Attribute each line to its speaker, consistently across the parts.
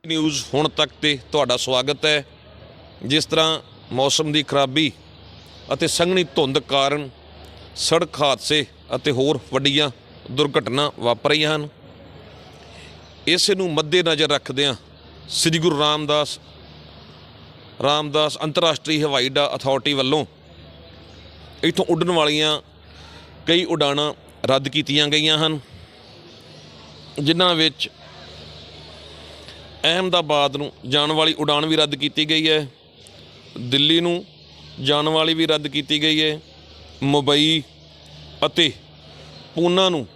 Speaker 1: News हुण तक ते तुहाडा स्वागत है। जिस तरह मौसम की खराबी अते संघनी धुंध कारण सड़क हादसे अते होर वड्डियां दुर्घटना वापर रहीआं हन। इस नूं मद्देनज़र रखदिआं श्री गुरु रामदास अंतरराष्ट्रीय हवाई अड्डा अथॉरिटी वल्लों इत्थों उड्डण वालियां कई उड़ाणां रद्द कीतियां गईयां हन, जिन्हां विच अहमदाबाद नूं जाण वाली उड़ान भी रद्द की गई है, दिल्ली नूं जाण वाली भी रद्द की गई है, मुंबई अते पूना नूं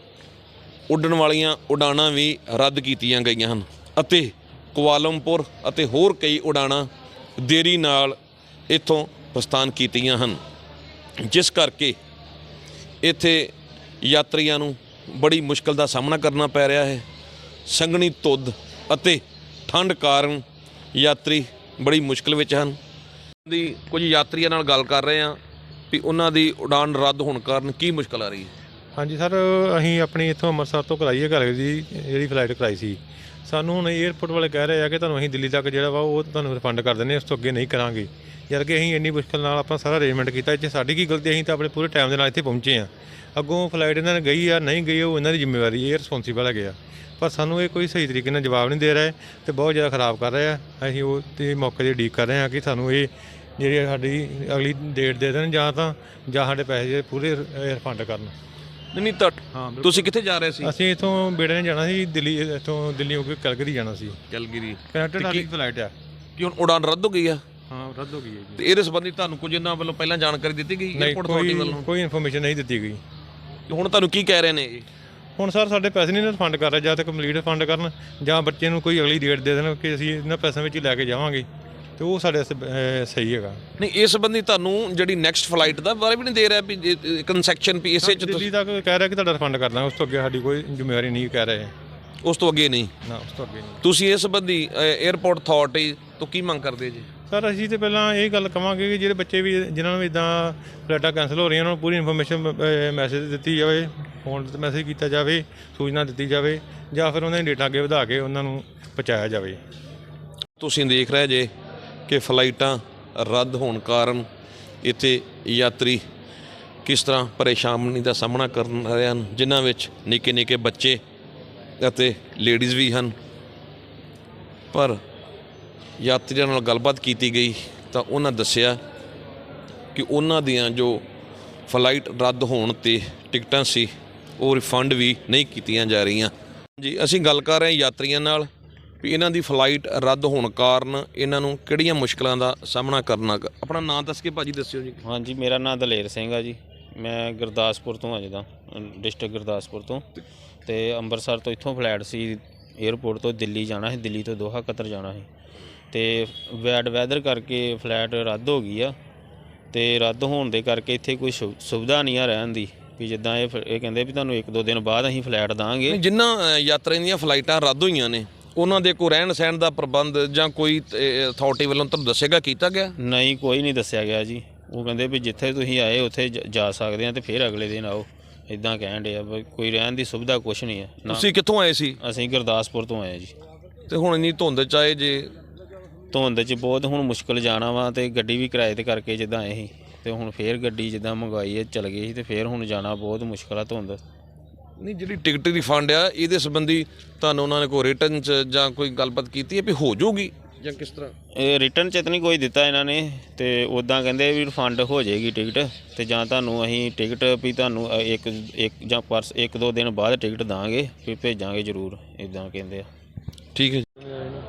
Speaker 1: उड्डण वालियां उड़ाणां भी रद्द कीतियां गईयां हन अते कुआलमपुर अते होर कई उड़ाणां देरी नाल इत्थों प्रस्थान कीतियां हन, जिस करके इत्थे यात्रियों नूं बड़ी मुश्किल का सामना करना पै रहा है। संघनी धुंध अते ठंड कारण यात्री बड़ी मुश्किल विच हन। दी कुछ यात्रियों नाल गल कर रहे हैं भी उन्हां दी उड़ान रद्द होने कारण की मुश्किल आ रही है।
Speaker 2: हाँ जी सर, असीं अपनी इत्थों अंमृतसर तो कराई है घर की जी फ्लाइट कराई सी। सानूं हुण एयरपोर्ट वाले कह रहे हैं कि तुहानूं असीं दिल्ली तक जिहड़ा वा वो तुहानूं रिफंड कर दिंदे, उस तो अगे नहीं करांगे। जद कि असीं इन्नी मुश्किल नाल अपना सारा अरेंजमेंट किया, इत्थे साडी की गलती, असीं तां अपने पूरे टाइम दे नाल इत्थे पहुंचे आ। अगों फ्लाइट इन्हां ने गई या नहीं गई वो इन्हां दी जिम्मेवारी, ये रिस्पोंसिबल है गया, पर सानूं ये कोई सही तरीके नाल जवाब नहीं दे रहे ते बहुत ज़्यादा खराब कर रहे हैं। असीं वो ते मौके दी उਡੀਕ कर रहे हैं कि सानूं ये ਜਿਹੜੀ ਸਾਡੀ अगली डेट दे देण ਜਾਂ ਸਾਡੇ ਪੈਸੇ पूरे रिफंड करन।
Speaker 1: नहीं तो तुसीं कित्थे जा रहे सी?
Speaker 2: ਅਸੀਂ ਇਥੋਂ ਬੇੜੇ ਨੇ ਜਾਣਾ ਸੀ ਦਿੱਲੀ, ਇਥੋਂ ਦਿੱਲੀ ਹੋ ਕੇ ਕੈਲਗਰੀ ਜਾਣਾ ਸੀ।
Speaker 1: ਕੈਲਗਰੀ
Speaker 2: ਕਨੈਕਟਡ ਸਾਡੀ ਫਲਾਈਟ ਆ।
Speaker 1: ਕਿ ਹੁਣ ਉਡਾਨ ਰੱਦ ਹੋ ਗਈ ਆ?
Speaker 2: ਹਾਂ, ਰੱਦ ਹੋ ਗਈ ਹੈ ਜੀ।
Speaker 1: ਤੇ ਇਹਦੇ ਸੰਬੰਧੀ ਤੁਹਾਨੂੰ ਕੁਝ ਇਹਨਾਂ ਵੱਲੋਂ ਪਹਿਲਾਂ ਜਾਣਕਾਰੀ ਦਿੱਤੀ ਗਈ ਏਅਰਪੋਰਟ ਅਥਾਰਟੀ ਵੱਲੋਂ?
Speaker 2: ਕੋਈ ਇਨਫੋਰਮੇਸ਼ਨ ਨਹੀਂ ਦਿੱਤੀ ਗਈ।
Speaker 1: ਹੁਣ ਤੁਹਾਨੂੰ ਕੀ ਕਹਿ ਰਹੇ ਨੇ ਇਹ?
Speaker 2: ਹੁਣ ਸਰ ਸਾਡੇ ਪੈਸੇ ਨਹੀਂ ਰਿਫੰਡ ਕਰ ਰਹੇ, ਜਾਂ ਤਾਂ ਕੰਪਲੀਟ ਰਿਫੰਡ ਕਰਨ ਜਾਂ ਬੱਚੇ ਨੂੰ ਕੋਈ ਅਗਲੀ ਡੇਟ ਦੇ ਦੇਣ ਕਿ ਅਸੀਂ ਇਹਨਾਂ ਪੈਸਿਆਂ ਵਿੱਚ ਹੀ ਲੈ ਕੇ ਜਾਵਾਂਗੇ, ਤੇ ਉਹ ਸਾਡੇ ਸਹੀ ਹੈਗਾ।
Speaker 1: ਨਹੀਂ, ਇਸ ਸੰਬੰਧੀ ਤੁਹਾਨੂੰ ਜਿਹੜੀ ਨੈਕਸਟ ਫਲਾਈਟ ਦਾ ਬਾਰੇ ਵੀ ਨਹੀਂ ਦੇ ਰਿਹਾ ਵੀ ਕੰਸੈਕਸ਼ਨ ਵੀ ਇਸੇ ਚ
Speaker 2: ਦਿੱਲੀ ਤੱਕ ਕਹਿ ਰਿਹਾ ਕਿ ਤੁਹਾਡਾ ਰਿਫੰਡ ਕਰ ਦਾਂਗੇ, ਉਸ ਤੋਂ ਅੱਗੇ ਸਾਡੀ ਕੋਈ ਜ਼ਿੰਮੇਵਾਰੀ ਨਹੀਂ ਕਹਿ ਰਹੇ।
Speaker 1: ਉਸ ਤੋਂ ਅੱਗੇ ਨਹੀਂ?
Speaker 2: ਨਾ, ਉਸ ਤੋਂ ਅੱਗੇ ਨਹੀਂ।
Speaker 1: ਤੁਸੀਂ ਇਸ ਸੰਬੰਧੀ ਏਅਰਪੋਰਟ ਅਥਾਰਟੀ ਤੋਂ ਕੀ ਮੰਗ ਕਰਦੇ ਜੀ?
Speaker 2: ਸਰ ਅਸੀਂ ਤਾਂ ਪਹਿਲਾਂ ਇਹ ਗੱਲ ਕਹਾਂਗੇ ਕਿ ਜਿਹੜੇ ਬੱਚੇ ਵੀ ਜਿਨ੍ਹਾਂ ਨੂੰ ਇੱਦਾਂ ਫਲਾਈਟਾਂ ਕੈਂਸਲ ਹੋ ਰਹੀਆਂ ਉਹਨਾਂ ਨੂੰ ਪੂਰੀ ਇਨਫੋਰਮੇਸ਼ਨ ਮੈਸੇਜ ਦਿੱਤੀ ਜਾਵੇ, ਫੋਨ 'ਤੇ ਮੈਸੇਜ ਕੀਤਾ ਜਾਵੇ, ਸੂਚਨਾ ਦਿੱਤੀ ਜਾਵੇ, ਜਾਂ ਫਿਰ ਉਹਨਾਂ ਦੀ ਡੇਟਾ ਅੱਗੇ ਵਧਾ ਕੇ ਉਹਨਾਂ ਨੂੰ ਪਹੁੰਚਾਇਆ ਜਾਵੇ।
Speaker 1: ਤੁਸੀਂ ਦੇਖ ਰਹੇ ਜੇ ਕਿ ਫਲਾਈਟਾਂ ਰੱਦ ਹੋਣ ਕਾਰਨ ਇੱਥੇ ਯਾਤਰੀ ਕਿਸ ਤਰ੍ਹਾਂ ਪਰੇਸ਼ਾਨੀ ਦਾ ਸਾਹਮਣਾ ਕਰ ਰਹੇ ਹਨ, ਜਿਨ੍ਹਾਂ ਵਿੱਚ ਨਿੱਕੇ ਨਿੱਕੇ ਬੱਚੇ ਅਤੇ ਲੇਡੀਜ਼ ਵੀ ਹਨ। ਪਰ ਯਾਤਰੀਆਂ ਨਾਲ ਗੱਲਬਾਤ ਕੀਤੀ ਗਈ ਤਾਂ ਉਹਨਾਂ ਦੱਸਿਆ ਕਿ ਉਹਨਾਂ ਦੀਆਂ ਜੋ ਫਲਾਈਟ ਰੱਦ ਹੋਣ 'ਤੇ ਟਿਕਟਾਂ ਸੀ ਉਹ ਰਿਫੰਡ ਵੀ ਨਹੀਂ ਕੀਤੀਆਂ ਜਾ ਰਹੀਆਂ ਜੀ। ਅਸੀਂ ਗੱਲ ਕਰ ਰਹੇ ਯਾਤਰੀਆਂ ਨਾਲ ਵੀ ਇਹਨਾਂ ਦੀ ਫਲਾਈਟ ਰੱਦ ਹੋਣ ਕਾਰਨ ਇਹਨਾਂ ਨੂੰ ਕਿਹੜੀਆਂ ਮੁਸ਼ਕਲਾਂ ਦਾ ਸਾਹਮਣਾ ਕਰਨਾ। ਆਪਣਾ ਨਾਮ ਦੱਸ ਕੇ ਭਾਜੀ ਦੱਸਿਓ ਜੀ।
Speaker 3: ਹਾਂਜੀ, ਮੇਰਾ ਨਾਮ ਦਲੇਰ ਸਿੰਘ ਆ ਜੀ। ਮੈਂ ਗੁਰਦਾਸਪੁਰ ਤੋਂ ਆ, ਜਿੱਦਾਂ ਡਿਸਟ੍ਰਿਕਟ ਗੁਰਦਾਸਪੁਰ ਤੋਂ, ਅਤੇ ਅੰਮ੍ਰਿਤਸਰ ਤੋਂ ਇੱਥੋਂ ਫਲਾਈਟ ਸੀ ਏਅਰਪੋਰਟ ਤੋਂ ਦਿੱਲੀ ਜਾਣਾ ਸੀ, ਦਿੱਲੀ ਤੋਂ ਦੋਹਾ ਕਤਰ ਜਾਣਾ ਸੀ, ਅਤੇ ਬੈਡ ਵੈਦਰ ਕਰਕੇ ਫਲਾਈਟ ਰੱਦ ਹੋ ਗਈ ਆ। ਅਤੇ ਰੱਦ ਹੋਣ ਦੇ ਕਰਕੇ ਇੱਥੇ ਕੋਈ ਸੁਵਿਧਾ ਨਹੀਂ ਆ ਰਹਿਣ ਦੀ, ਵੀ ਜਿੱਦਾਂ ਇਹ ਕਹਿੰਦੇ ਵੀ ਤੁਹਾਨੂੰ 1-2 ਦਿਨ ਬਾਅਦ ਅਸੀਂ ਫਲਾਈਟ ਦਾਂਗੇ।
Speaker 1: ਜਿਨ੍ਹਾਂ ਯਾਤਰੀਆਂ ਦੀਆਂ ਫਲਾਈਟਾਂ ਰੱਦ ਹੋਈਆਂ ਨੇ ਉਹਨਾਂ ਦੇ ਕੋਈ ਰਹਿਣ ਸਹਿਣ ਦਾ ਪ੍ਰਬੰਧ ਜਾਂ ਕੋਈ ਅਥਾਰਟੀ ਵੱਲੋਂ ਤੁਹਾਨੂੰ ਦੱਸੇਗਾ ਕੀਤਾ ਗਿਆ?
Speaker 3: ਨਹੀਂ, ਕੋਈ ਨਹੀਂ ਦੱਸਿਆ ਗਿਆ ਜੀ। ਉਹ ਕਹਿੰਦੇ ਵੀ ਜਿੱਥੇ ਤੁਸੀਂ ਆਏ ਉੱਥੇ ਜਾ ਸਕਦੇ ਆ ਅਤੇ ਫਿਰ ਅਗਲੇ ਦਿਨ ਆਓ, ਇੱਦਾਂ ਕਹਿਣ ਡੇ ਆ। ਕੋਈ ਰਹਿਣ ਦੀ ਸੁਵਿਧਾ ਕੁਛ ਨਹੀਂ ਹੈ।
Speaker 1: ਤੁਸੀਂ ਕਿੱਥੋਂ ਆਏ ਸੀ?
Speaker 3: ਅਸੀਂ ਗੁਰਦਾਸਪੁਰ ਤੋਂ ਆਏ ਜੀ।
Speaker 1: ਅਤੇ ਹੁਣ ਇੰਨੀ ਧੁੰਦ 'ਚ ਆਏ ਜੇ?
Speaker 3: ਧੁੰਦ 'ਚ ਬਹੁਤ ਹੁਣ ਮੁਸ਼ਕਿਲ ਜਾਣਾ ਵਾ, ਅਤੇ ਗੱਡੀ ਵੀ ਕਿਰਾਏ 'ਤੇ ਕਰਕੇ ਜਿੱਦਾਂ ਆਏ ਸੀ, ਅਤੇ ਹੁਣ ਫਿਰ ਗੱਡੀ ਜਿੱਦਾਂ ਮੰਗਵਾਈ ਹੈ ਚਲ ਗਈ ਸੀ, ਅਤੇ ਫਿਰ ਹੁਣ ਜਾਣਾ ਬਹੁਤ ਮੁਸ਼ਕਿਲ ਆ ਧੁੰਦ।
Speaker 1: ਨਹੀਂ, ਜਿਹੜੀ ਟਿਕਟ ਰਿਫੰਡ ਆ ਇਹਦੇ ਸੰਬੰਧੀ ਤੁਹਾਨੂੰ ਉਹਨਾਂ ਨੇ ਕੋਈ ਰਿਟਰਨ 'ਚ ਜਾਂ ਕੋਈ ਗੱਲਬਾਤ ਕੀਤੀ ਹੈ ਵੀ ਹੋ ਜਾਊਗੀ ਜਾਂ ਕਿਸ ਤਰ੍ਹਾਂ?
Speaker 3: ਇਹ ਰਿਟਰਨ 'ਚ ਤਾਂ ਨਹੀਂ ਕੋਈ ਦਿੱਤਾ ਇਹਨਾਂ ਨੇ, ਅਤੇ ਉੱਦਾਂ ਕਹਿੰਦੇ ਵੀ ਰਿਫੰਡ ਹੋ ਜਾਏਗੀ ਟਿਕਟ, ਅਤੇ ਜਾਂ ਤੁਹਾਨੂੰ ਅਸੀਂ ਟਿਕਟ ਵੀ ਤੁਹਾਨੂੰ ਇੱਕ ਜਾਂ 1-2 ਦਿਨ ਬਾਅਦ ਟਿਕਟ ਦਾਂਗੇ, ਫਿਰ ਭੇਜਾਂਗੇ ਜ਼ਰੂਰ, ਇੱਦਾਂ ਕਹਿੰਦੇ ਆ।
Speaker 1: ਠੀਕ ਹੈ ਜੀ।